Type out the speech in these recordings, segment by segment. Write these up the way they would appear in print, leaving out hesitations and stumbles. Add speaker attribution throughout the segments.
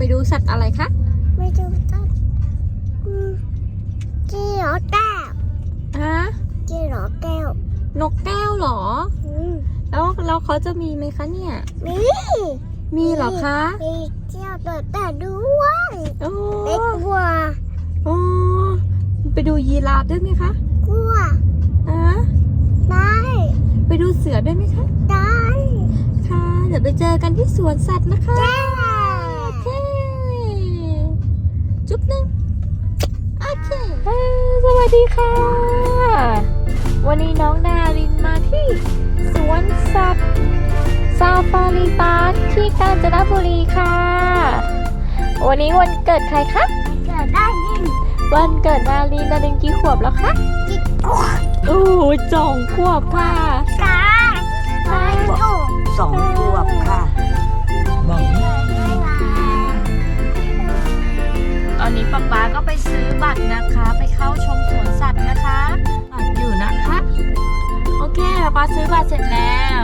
Speaker 1: ดูสัตว์อะไรคะ
Speaker 2: ไม่ดูต้นจีหรอแก้ว
Speaker 1: ฮะ
Speaker 2: จีหรอแก้วน
Speaker 1: กแก้วเหรอแล้วเขาจะมีไหมคะเนี่ยมีเหรอคะ
Speaker 2: มีเจ้าแต่ด้วยไม่กลัว
Speaker 1: ไปดูยีราฟด้วยไหมคะ
Speaker 2: กลัวได้
Speaker 1: ไปดูเสือด้วยไหมคะ
Speaker 2: ได้
Speaker 1: ค่ะเดี๋ยวไปเจอกันที่สวนสัตว์นะคะโอเคจุ๊บนึงโอเคสวัสดีค่ะวันนี้น้องดารินมาที่สวนสัตว์ซาฟารีพาร์คที่กาญจนบุรีค่ะวันนี้วันเกิดใครคะ
Speaker 2: เกิดได้ยิน
Speaker 1: วันเกิดดารินกี่ขวบแล้วคะโอ้ย2 ขวบค่ะ
Speaker 3: 2 ขวบค่ะ
Speaker 1: ตอนนี้ป๊าก็ไปซื้อบัตรนะคะไปเข้าชมสวนสัตว์นะคะบัตรอยู่นะคะโอเคป๊าซื้อบัตรเสร็จแล้ว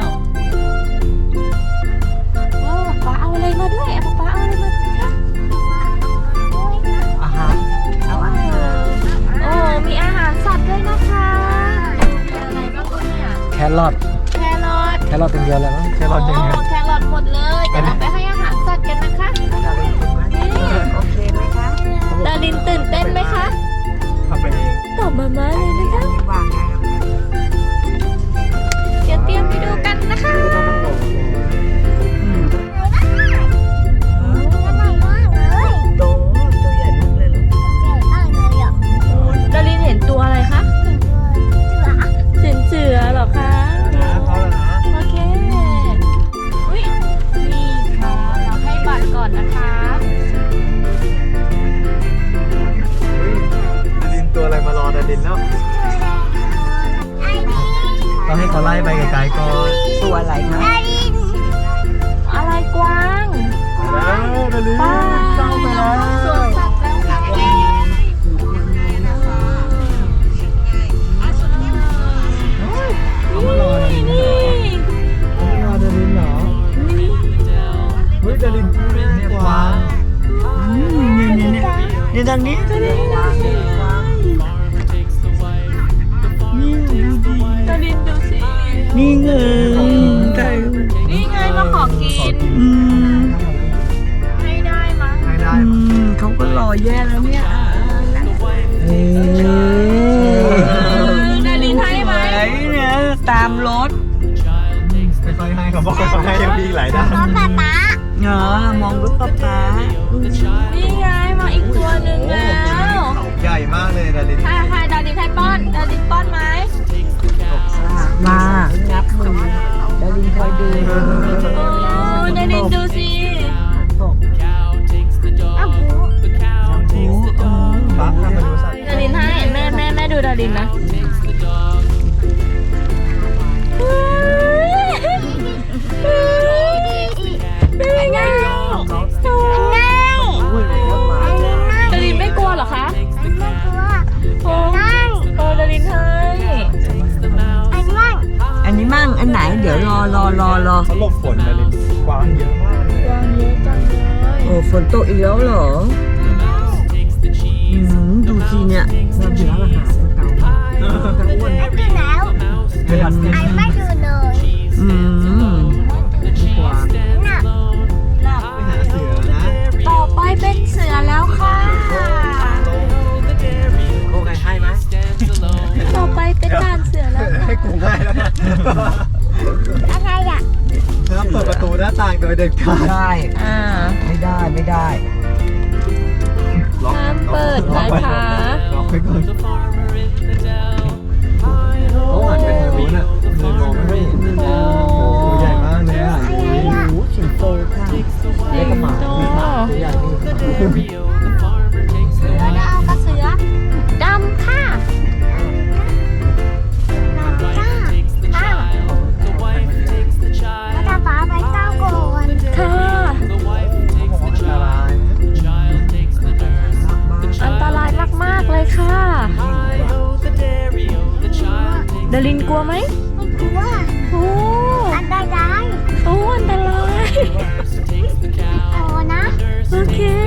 Speaker 1: ป๊าเอาอะไรมาด้วยป๊าเอาอะไรมาด้วยคะ
Speaker 3: อาหาร
Speaker 1: มีอาหารสัตว์ด้วยนะคะอะไรบ้างเนี่ย
Speaker 3: แครอทเป็นเดียวเลยมั้งแครอทอย่างเงี้ย
Speaker 1: แครอทหมดเลยเดี๋ยวเราไปให้อาหารสัตว์กันนะคะ
Speaker 3: โอเคไหมคะ
Speaker 1: ดารินตื่นเต้นไหมคะ
Speaker 3: ทำไปเอง
Speaker 1: ตอบมาเลยนะคะ
Speaker 3: วางได้แล้ว
Speaker 1: เดี๋ยวเตรียมไปดูกันนะคะ
Speaker 3: ตัวใหญ่มากเลย
Speaker 1: ดารินเห็นตัวอะไรคะเสือเหรอคะโอเคนี่ค่ะเราให้บัตรก่อนนะคะ
Speaker 3: ดารินตัวอะไรมารอดารินแล้วต้องให้เขาไล่ไปไกลๆก่อนตัวอะไรคะ
Speaker 1: อะไรกวาง
Speaker 3: แล้วดารินเข้าไปแล้ว
Speaker 1: สวนสัตว์แล้วค่ะ
Speaker 3: เขามารอดารินเหรอเขามารอดารินเหรอเฮ้ยดารินเนี่ยกวางนี่ทางนี้ดาริน
Speaker 1: ดารินดูสิ
Speaker 3: นี่ไง
Speaker 1: นี่ไงมาขอกินให้ได้มั้ง
Speaker 3: เขาก็รอแย่แล้วเนี่ย
Speaker 1: ดารินให้ไหม
Speaker 3: เนี่ยตามรถค่อยๆให้เขาบอกค่อยๆให้ยังมีหลายด้าน
Speaker 2: ป๊า
Speaker 3: มองรถป๊า
Speaker 1: นี่ไงมาอีกตัวหนึ่งแล้ว
Speaker 3: ใหญ่มากเลยดาริน
Speaker 1: ให้ดารินให้ป้อนดารินป้อนไหม
Speaker 3: มางับมือดารินคอยดู
Speaker 1: ดารินดูสิดารินให้แม่ดูดารินนะเป็นไงดารินไม่กลัวเหรอคะโอ้ดารินให้
Speaker 3: อันนี้มั่งอันไหนเดี๋ยวรอเขาหลบฝนดารินกวางเยอะมาก
Speaker 1: กวางเยอะจังเลย
Speaker 3: โอ้ฝนตกอีกแล้วเหรอดูสิเนี่ยเราอยู่ร้านอาหารเก่า
Speaker 2: ไม่กินแล้วไม่ดูเลย
Speaker 3: กวางไปหาเสือนะ
Speaker 1: ต่อไปเป็นเสือแล้วค่ะ
Speaker 3: โอเคให้ไหม
Speaker 1: ต่อไปเป็นด่านเสือแล้ว
Speaker 3: ให้กูง่ายแล้ว
Speaker 2: อะไรอ่ะ
Speaker 3: ห้ามเปิดประตูหน้าต่างโดยเด็ดขาดได้ไม่ได้
Speaker 1: ห้ามเปิดนะคะ
Speaker 3: ล็อกไปก่อนเขาหันไปทางนู้นอ่ะเลยมองไม่เห็นตัวใหญ่มากเลยอ่ะสิงโตค่ะเล็กกว่าหมาตัวใหญ่นี่
Speaker 1: เสือดาวกับเสือดำค่ะ
Speaker 2: ป๊าไปเก้าก่อน
Speaker 1: ค่ะอันตรายมากเลยค่ะดารินกลัวไหม
Speaker 2: ไม่กลัวอันตราย
Speaker 1: อันตราย
Speaker 2: โอ้นะ
Speaker 1: โอเค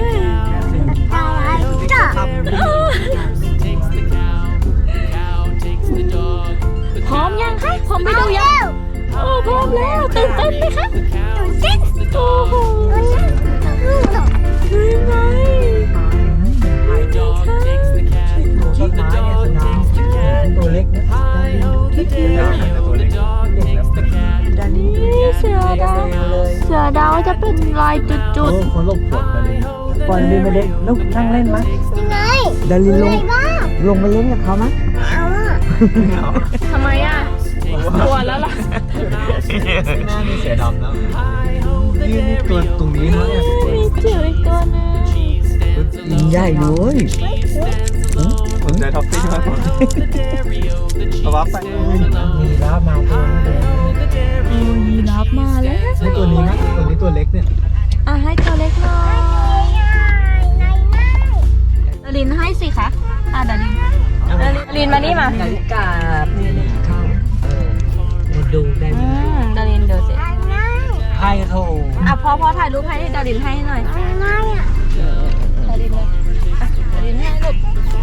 Speaker 1: จะเป็นลายจุด
Speaker 3: เขาหลบฝนกันเลย
Speaker 4: ปล่อยดินไปเล่นลูกนั่งเล่นไหม
Speaker 2: ยังไง
Speaker 4: ดารินล
Speaker 2: ยัง
Speaker 4: ง
Speaker 2: ไงบ้าง
Speaker 4: ลงไปเล่นกับเขาไหม
Speaker 2: เอาอ่ะ
Speaker 1: ๆทำไมอ่ะกลัวแล้วล่ะ
Speaker 3: หน้ามีเสือดำแล้วยืนตัวตรงนี้เขาเนี่ย
Speaker 1: มีจิ๋วอีกตัวนึง
Speaker 4: ยิงใหญ่เลย
Speaker 3: สนใจท็อปปิ้งมากกว่าเอาวับไป
Speaker 4: มีแล้วมาตัวนี้เลย
Speaker 1: ยีราฟมาแล้ว
Speaker 3: ให้ตัวนี้นะตัวนี้ตัวเล็กเนี่ย
Speaker 1: อ่ะให้ตัวเล็กหน่อยดารินให้สิคะอ่ะดารินมานี่มา
Speaker 4: นาฬิกานี่เข้ามาดูได้
Speaker 1: ดารินเดี๋ยวสิ
Speaker 4: ให้โทร
Speaker 1: อ่ะพอถ่ายรูปให้ดารินให้หน่อย
Speaker 2: อะไรอ่ะ
Speaker 1: ดารินเลยอ่ะดารินให้ลูก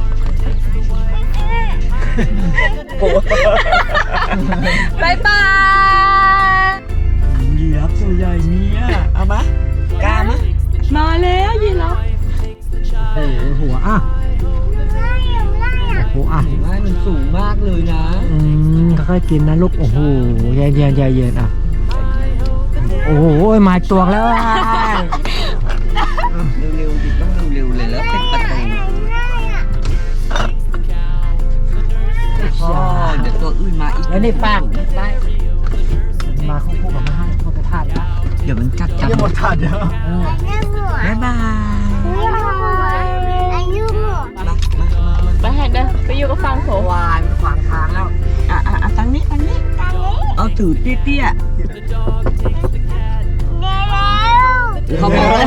Speaker 1: บายบาย
Speaker 4: ยีราฟตัวใหญ่เนี่ยเอามากล้ามะ
Speaker 1: มาแล้วยีราฟ
Speaker 4: โอ้โหหัวอ่ะโอ้โหอ่ะ
Speaker 3: ว่ามันสูงมากเลยนะ
Speaker 4: ค่อยๆกินนะลูกโอ้โหเย็นเย็นอ่ะโอ้โหมาตัวแล้วอ่ะ
Speaker 5: เร็วๆดิต้องเร็วๆเลยแล้วเป็นประตูพ่อเดี๋ยวตัวอื่นมาอีก
Speaker 4: แล้วนี่ป้างได้มาคู่กับมาให้เข้าไปทานนะ
Speaker 5: เดี๋ยวมันกัดกัน
Speaker 3: ยังหมดถาดเดียว
Speaker 5: บ๊ายบาย
Speaker 1: ไปให้เด้อไปอยู่กับฟังโถ
Speaker 4: วานขวางทางแล้ว
Speaker 5: อ่ะตั้งนี้เอาถือเตี้ยๆเขาบอกแล้ว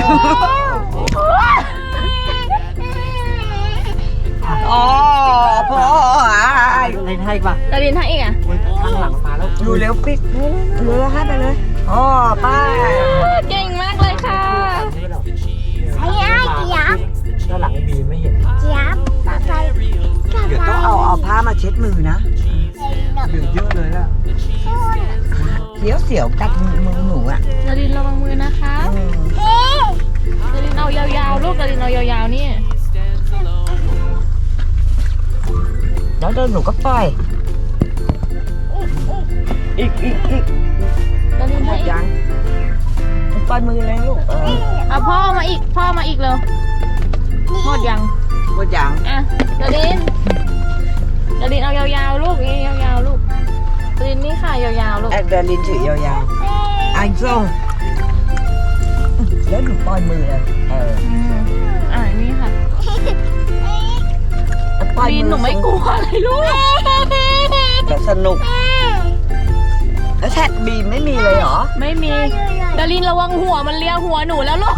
Speaker 5: อ๋อพ่อ
Speaker 4: เล่นให้ป่ะ
Speaker 1: ดารินให้อีกอ่ะ
Speaker 4: ข้างหลังมาแล้ว
Speaker 5: ดูเร็วปิ๊กเร็วให้ไปเลยอ๋อป้า
Speaker 1: เก่งมากเลยค่ะ
Speaker 2: ไอ้เจี๊ยบ
Speaker 4: ด้านหลังบีไม่เห็น
Speaker 2: เจี๊ยบต่อไป
Speaker 5: เดี๋ยวต้องเอาผ้ามาเช็ดมือนะ
Speaker 3: เหลือเยอะเลยล่ะ
Speaker 5: เสียวกัดมือหนูอ่ะ
Speaker 1: ดารินระวังมือนะคะดารินเอายาวๆลูกดารินเอายาวๆนี่
Speaker 5: แล้วเดินหนูก็ปล่อยอีก
Speaker 1: ดาริน
Speaker 5: หม
Speaker 1: ให้
Speaker 5: ด
Speaker 1: อีก
Speaker 5: ยังปล่อยมือเลยลูก
Speaker 1: เอาพ่อมาอีกหมดยัง
Speaker 5: หมดยัง
Speaker 1: อ่ะดารินเอายาวๆลูกนี่ยาวๆลูกดารินนี่ค่ะยาวๆลูก
Speaker 5: แอดเดลินถือยาวๆไอ้ส้มแล้วหนูปล่อยมือเลย
Speaker 1: นี่ค่ะ
Speaker 5: ปล่อย
Speaker 1: ดารินหนูไม่กลัวเลยลูก
Speaker 5: แต่สนุก แล้วแท็กบีมไม่มีเลยเหรอ
Speaker 1: ไม่มีดารินระวังหัวมันเลียหัวหนูแล้วลูก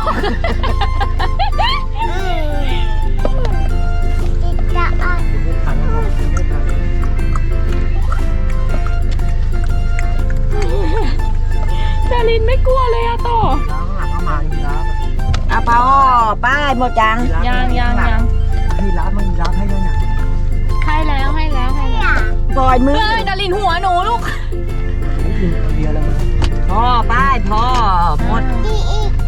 Speaker 4: ทันนะครับไม่ทัน
Speaker 1: ดารินไม่กลัวเลยอะต่อ
Speaker 4: แล้วข้างหลังก็มายีราฟ
Speaker 5: อ่ะพ่อป้ายหมดยัง
Speaker 1: ยัง
Speaker 4: ยีราฟมันยีราฟให้ด้วยเนี่ย
Speaker 1: ให้แล้ว
Speaker 5: ปล่อยมือ
Speaker 1: เฮ้ยดารินหัวหนูลูก
Speaker 4: ไม่กินคนเดียวแล้วมั้ง
Speaker 5: พ่อป้ายพ่อหมด
Speaker 2: อีก